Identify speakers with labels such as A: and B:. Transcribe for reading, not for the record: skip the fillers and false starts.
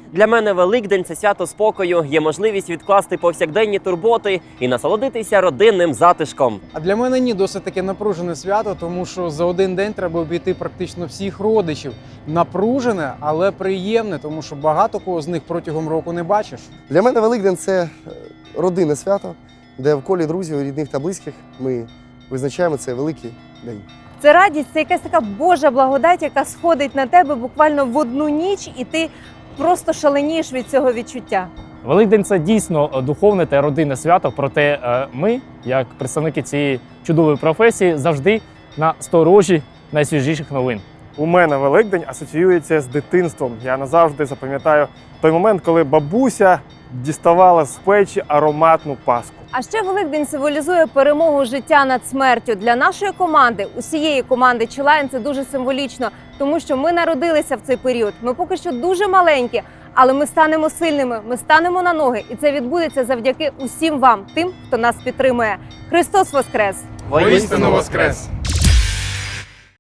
A: Для мене Великдень – це свято спокою, є можливість відкласти повсякденні турботи і насолодитися родинним затишком.
B: А для мене ні, досить таке напружене свято, тому що за один день треба обійти практично всіх родичів. Напружене, але приємне, тому що багато кого з них протягом року не бачиш.
C: Для мене Великдень – це родинне свято, де в колі друзів, рідних та близьких ми визначаємо цей великий день.
D: Це радість, це якась така Божа благодать, яка сходить на тебе буквально в одну ніч, і ти просто шаленієш від цього відчуття.
E: Великдень – це дійсно духовне та родинне свято, проте ми, як представники цієї чудової професії, завжди на сторожі найсвіжіших новин.
F: У мене Великдень асоціюється з дитинством. Я назавжди запам'ятаю той момент, коли бабуся діставала з печі ароматну паску.
D: А ще Великдень символізує перемогу життя над смертю. Для нашої команди, усієї команди Чилайн, це дуже символічно, тому що ми народилися в цей період. Ми поки що дуже маленькі, але ми станемо сильними, ми станемо на ноги. І це відбудеться завдяки усім вам, тим, хто нас підтримує. Христос Воскрес!
A: Воістину
B: Воскрес!